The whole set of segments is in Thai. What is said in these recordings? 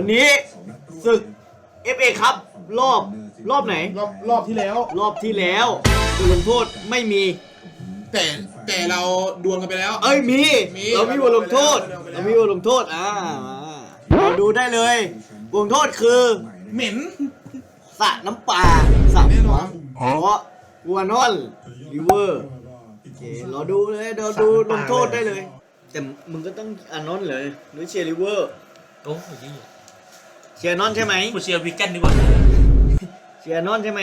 นี้ศึก FA ครับรอบไหนรอบที่แล้วรอบที่แล้วบทลงโทษไม่มีแต่เราดวลกันไปแล้วมีเรามีบทลงโทษเรามีบทลงโทษเราดูได้เลยบทลงโทษคือเหม็นสระน้ำปลาสระหัวเพราะวัวนอนริเวอร์โอเคเราดูเลยเราดูลงโทษได้เลยแต่มึงก็ต้องนอนเลยหรือเชียร์ริเวอร์โอ้ยเชียร์นอนใช่ไหมกูเชียร์วิกเกนดีกว่าเชียร์นอนใช่ไหม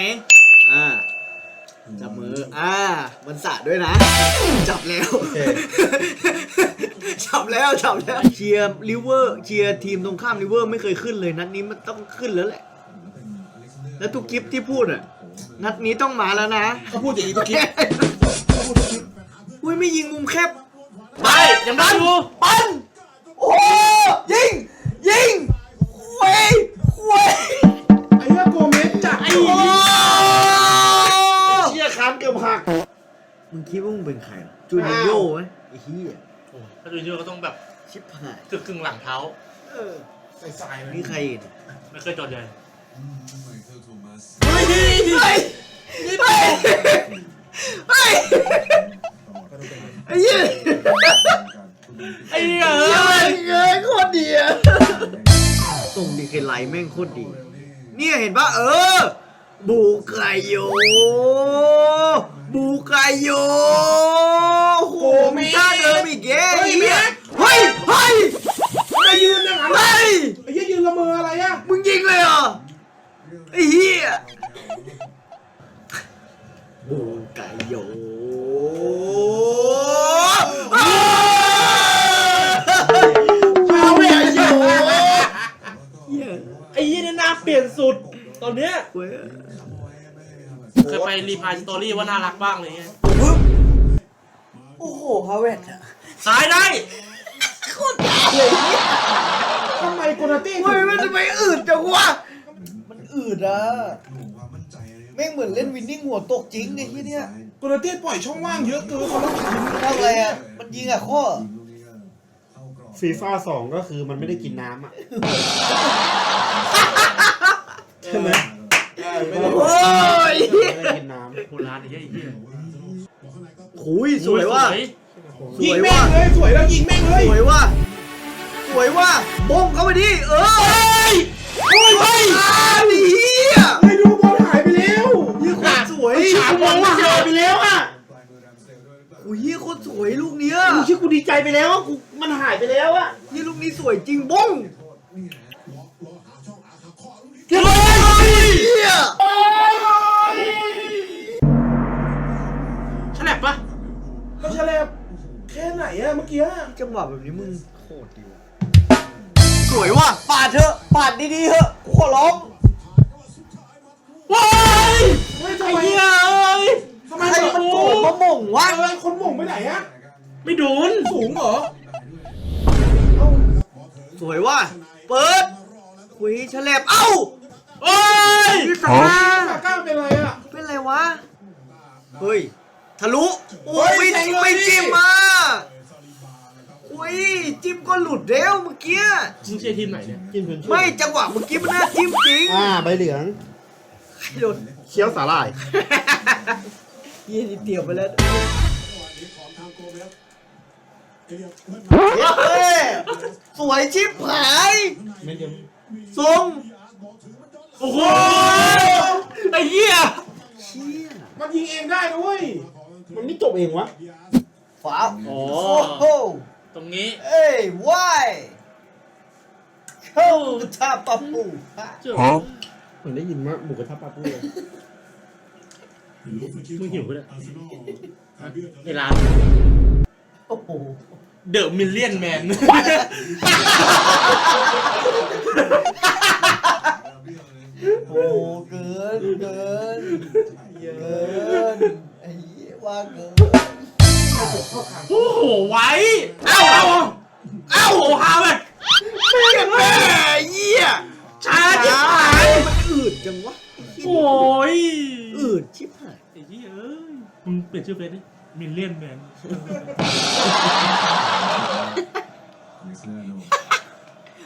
จับมือมันสะด้วยนะจับแล้วจับแล้วเชียร์ริเวอร์เชียร์ทีมตรงข้ามริเวอร์ไม่เคยขึ้นเลยนัดนี้มันต้องขึ้นแล้วแหละแล้วทุกคลิปที่พูดนัดนี้ต้องมาแล้วนะเขาพูดอย่างนี้ทุกคลิปอุ้ยไม่ยิงมุมแคบไปยังได้อยู่ปั้นโอ้ยิงเว้ยไอ้เหี้ยโกเมสจัดเชี่ยคานเกือบหักมึงคิดว่ามึงเป็นใครจูนิโญ่ไหมไอ้เหี้ยถ้าจูนิโญ่ก็ต้องแบบชิบหายกึ่งหลังเท้าใส่นี่ใครไม่เคยจดเลยเฮ้ยไอ้เหี้ยเงยโคตรดีตรงดีเคไลแม่งโคตรดีเนี่ยเห็นปะบูไกโยโหมีท่าเดิมอีกเฮ้ยไอ้ยืนยังไงไอ้เหี้ยยืนละเมออะไรมึงยิงเลยเหรอไอ้เหี้ยบูไกโยไอ้ยี่นี่น่าเปลี่ยนสุดตอนเนี้ยเคยไปรีพายสตอรี่ว่าน่ารักบ้างเลยไงโอ้โหฮาเวตสายได้โคตรเลยทำไมโกนาตี้มันทำไมอืดจังวะมันอืดแม่งเหมือนเล่นวินนิ่งหัวตกจริงไอ้ที่เนี้ยโกนาตี้ปล่อยช่องว่างเยอะเกินเขาต้องยิงทำอะไรมันยิงข้อ FIFA 2ก็คือมันไม่ได้กินน้ำใช่ไหมโอ้ยไม่ได้กินน้ำโบราณไอ้เหี้ยขุยสวยว่ะยิงแม่งเลยสวยแล้วยิงแม่งเลยสวยว่ะบ้งเข้าไปดิโอ้ยดีไม่ดูบอลหายไปแล้วยี่โคตรสวยฉาบบอลหายไปแล้วโอ้ยยี่โคตรสวยลูกเนี้ยกูชื่อกูดีใจไปแล้วกูมันหายไปแล้วยี่ลูกนี้สวยจริงบ้งฉลับปะก็ฉลับแค่ไหนเมื่อกี้จังหวะแบบนี้มึงโคตรดีสวยว่ะปาดเถอะปาดดีๆเถอะขอร้องว้ายทำไมทำไมมันโกรธมาหม่งวะคนหม่งไปไหนไม่โดนสูงเหรอสวยว่ะเปิดคุยฉลับโอ้ยพี่ตาก้าวเป็นไรเป็นไรวะเฮ้ยทะลุโอ้ยไม่จิ้มโอ้ยจิ้มก็หลุดแล้วเมื่อกี้มึงเชียร์ทีมไหนเนี่ยจิ้มไม่จังหวะเมื่อกี้มันน่าจิ้มจริงใบเหลืองโดนเคี้ยวสาหร่ายยี่นี่เตียวไปแล้วสวยชิบหายทรงโอ้โหไอ้เหี้ยมันยิงเองได้ด้วยมันไม่จบเองวะฝาโอ้ตรงนี้ว้ายเข้ากระทะปะปูเหมือนได้ยินว่าหมูกระทะปลาปูมึงหิวปะเนี่ยในร้านโอ้โหเดอะมิลเลียนแมนโอ้เกินไอ้ว่าเกินโอ้โหไว้เอ้าโหฮาไปแม่เยี่ยช้าชิบหายมันอืดจังวะโอ้ยอืดชิบหายไอ้ที่มึงเปลี่ยนชื่อเฟซดิมิลเลียนแมน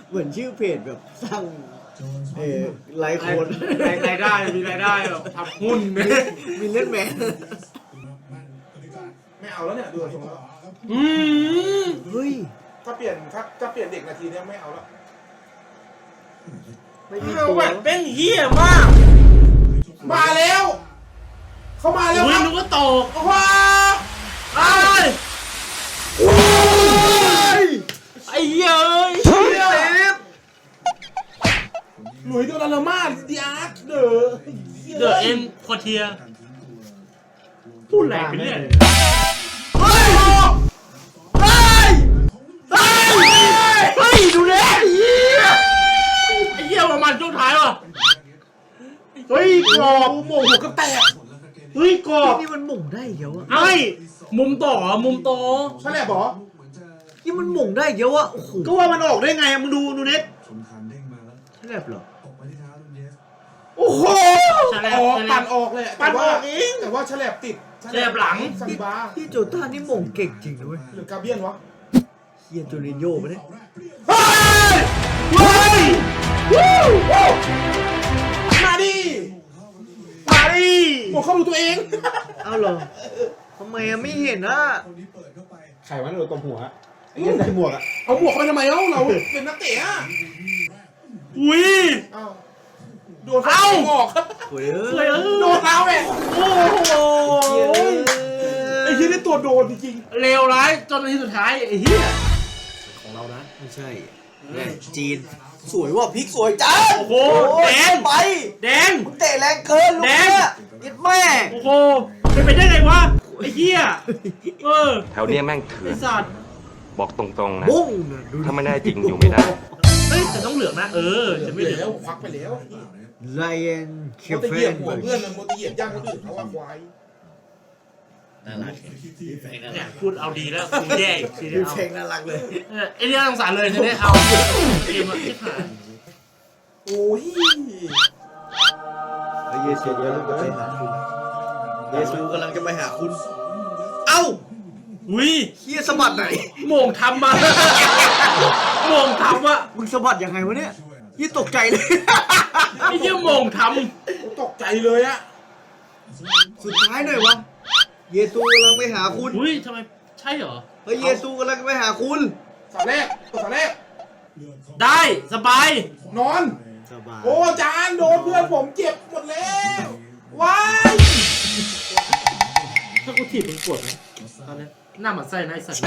เหมือนชื่อเพจแบบสร้างไลค์โคนรายได้มีรายได้แบบทำหุ้นเนี่ยมีเล่นแมนไม่เอาแล้วเนี่ยดูทรงแล้วอืมเฮ้ยถ้าเปลี่ยนเด็กนาทีเนี้ยไม่เอาแล้วไม่มีเอาตัวแบบเป็นเหี้ยมากมาแล้ว เขามาแล้วอุ้คยรับนึกว่าตกว้าไอ้ยไอ้เหี้ยเอ้ยหลุยส์โดนาร์มาดิอาร์ตเดอเดอะเอ็นควอเทียพูดแรงไปเรื่อยเฮ้ยเฮ้ยเฮ้ยเฮ้ยดูแลเฮียไอ้เหี้ยประมาณช่วงท้ายว่ะเฮ้ยกรอบโมงหัวก็แตกเฮ้ยกรอบนี่มันหม่งได้เดี๋ยวอะไอ้มุมต่อมุมโตใช่แหละบอนี่มันหม่งได้เดี๋ยวอะโอ้โหก็ว่ามันออกได้ไงอะมึงดูเน็ตใช่แบบเหรอโอ้โหใช่แล้อวอกใช่แล้ปั่วนออกเลยปั่นออกเองแต่ว่าฉลบติดฉลบหลังซาลิบาพี่โจต้านี่หม่งเก่งจริงด้วยหรือกาเบียนวะเฮียโจรินโญ่ไปเนี่ยเฮ้ยเฮ้ยวู้มาดิมาดิหมดเข้าดูตัวเองเอาเหรอทำไมอะไม่เห็นอะไข่วันโดนตบหัวไอ้เงี้ยใส่หมวกอะเอาหมวกเข้าไปทำไมเอ้าเราเป็นนักเตะอะอุ้ยเอ้าโดนเขาเตะออกโอ้ยเฮ้ยโดนเราเองโอ้โหไอ้ที่ได้ตัวโดนจริงเลวร้ายจนนาทีสุดท้ายไอ้เหี้ยของเรานะไม่ใช่เนี่ยจีนสวยว่ะพริกสวยจังโอ้โหโอ้ยแดงไปแดงมึงเตะแรงเกินลูกแดเนี่งยยิดแม่โอ้โหเป็นไปได้ไงวะไอ้เหี้ยเออแถวเนี้ยแม่งเถื่อไอ้นสัตว์บอกตรงๆนะบุ้งน่ะดูถ้าไม่ได้จริงอยู่ไม่ได้เฮ้ยแต่ต้องเหลืองนะ เออๆจะไม่เหลืแล้อวงควักไปแล้วไลเอ็นเคโมฟตเฟเหยียบนหัวเพื่อนมันโมตเหยียบย่างคนอื่นเขาว่าควายน่ารักเนี่ยพูดเอาดีแล้วกูแย่อีกทีดูเดียวเพลงน่ารักเลยไอ้เนี่ยสงสารเลยทีนี้เอาเกมอะที่ผ่านโอ้ยไอ้เยซูกำลังจะไปหาคุณเยซูกำลังจะไปหาคุณ เอ้าอุ้ยเฮียสะบัดไหนโหม่งทำมาโหม่งทำอะมึงสะบัดยังไงวะเนี่ยเฮียตกใจเลยไอ้เหี้ยโหม่งทตกใจเลยอะสุดท้ายหน่อยวะเยซูกำลังไปหาคุณำอุ้ยทำไมใช่เหรอเฮ้ยเยซูกำลังไปหาคุณสาแรกตัวสาแรกได้สบายนอนสบายโอ้จานโดนเพื่อนผมเจ็บหมดแล้วว้ายถ้ากูถีบเป็นกดนะตอนนี้หน้าหมันไส้นะไอ้สัตว์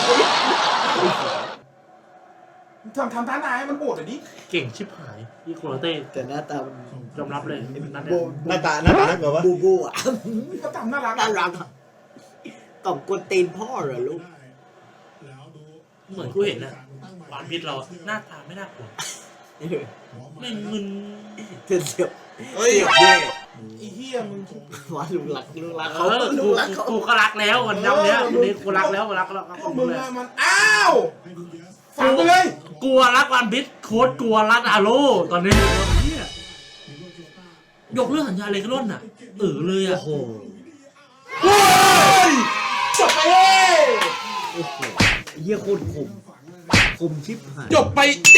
ทำท่าไหนมันโหดอ่ะดิเก่งชิบหายอีโคโรเต้แต่หน้าตามันยอมรับเลยนั่นโบเนี่ยหน้าตาน่ากลัวปะบูบูอ่ะก็ทำน่ารักน่าอะรักอะต่อมกวนตีนพ่อเหรอลูกเหมือนกูเห็นน่ะหวานพิษเราอะหน้าตาไม่น่ากลัวไม่มึนเธอเสียบเฮ้ยเสียบเย่ไอ้เหี้ยมึงว่าลุงรักเอเขาอลุงรักเขากูก็รักแล้ววันน้ำเนี้ยวันนี้กูรักแล้วกูรักแล้วพวกมึงอะมันอ้าวฝังไปเลยกลัวรักวันพิษโค้ดกลัวรักอาโร่ตอนนี้เนี่ยยกเรื่องสัญญาเลยก็ร่นอ่ะเลยโอ้อ่ะโหเฮ้ยจบไปเอ้โอ้โหเยี่ยโคตรคมชิบหายจบไปเด้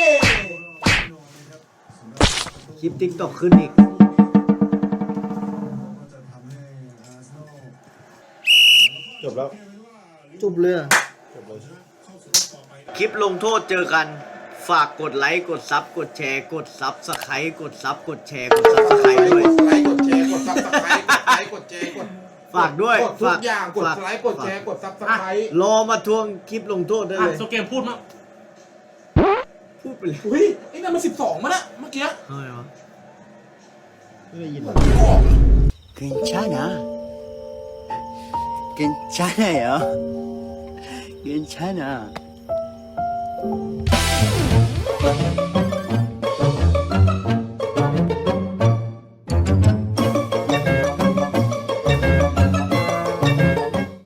คลิปติ๊กต็อกขึ้นอีกจบแล้วจบเลยจบเลยคลิปลงโทษเจอกัน ฝากกดไลค์ กดซับ กดแชร์ กดซับสไครต์กดซับ กดแชร์ กดซับสไครต์ด้วยกดไลค์กดแชร์กดซับสไครต์กดไลค์กดแชร์กดฝากด้วยกดทุกอย่างกดไลค์กดแชร์กดซับสไครต์รอมาทวงคลิปลงโทษได้อ่ะเลยโซเกมพูดมั้งพูดไปเลยอุ้ยไอ้นั่นมัน12มั้งนะเมื่อกี้เฮ้ยวะไม่ได้ยินเหมือนไม่ออก 괜찮아. 괜찮아요. 괜찮아.